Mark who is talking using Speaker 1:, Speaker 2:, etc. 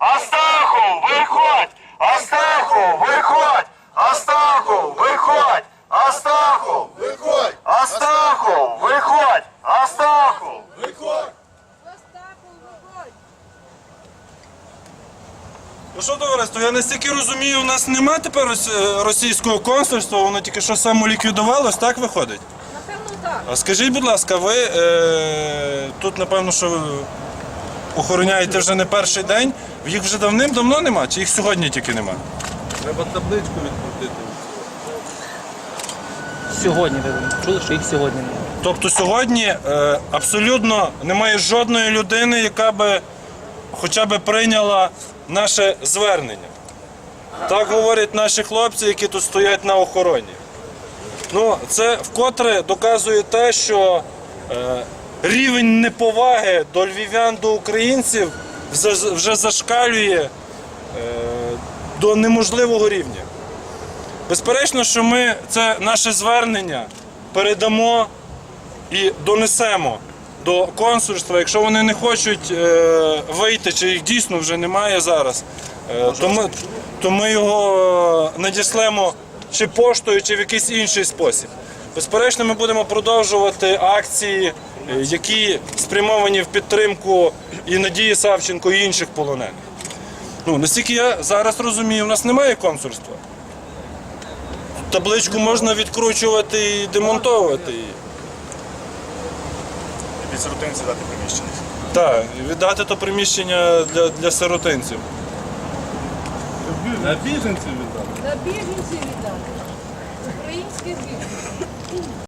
Speaker 1: Астахов, виходь! Астахов, виходь! Астахов, виходь! Астахов, виходь! Астахов, виходь! Астахов! Виходь!
Speaker 2: Ну що, товариство, я настільки розумію, у нас нема тепер російського консульства, воно тільки що самоліквідувалось, так виходить?
Speaker 3: Напевно, так.
Speaker 2: А скажіть, будь ласка, ви тут, напевно, що ви охороняєте вже не перший день, їх вже давним-давно нема, чи їх сьогодні тільки нема?
Speaker 4: Треба табличку відкрутити.
Speaker 5: Сьогодні ви чули, що їх сьогодні немає.
Speaker 2: Тобто сьогодні абсолютно немає жодної людини, яка би хоча б прийняла наше звернення. Так говорять наші хлопці, які тут стоять на охороні. Ну, це вкотре доказує те, що рівень неповаги до львів'ян, до українців вже зашкалює до неможливого рівня. Безперечно, що ми це наше звернення передамо і донесемо до консульства. Якщо вони не хочуть вийти, чи їх дійсно вже немає зараз, то ми його надішлемо чи поштою, чи в якийсь інший спосіб. Безперечно, ми будемо продовжувати акції, які спрямовані в підтримку і Надії Савченко, і інших полонених. Ну, наскільки я зараз розумію, у нас немає консульства. Табличку можна відкручувати і демонтовувати її.
Speaker 1: Під сиротинці дати приміщення.
Speaker 2: Так, віддати то приміщення для сиротинців.
Speaker 4: На біженців віддати.
Speaker 3: На біженців віддати. Українських біженців.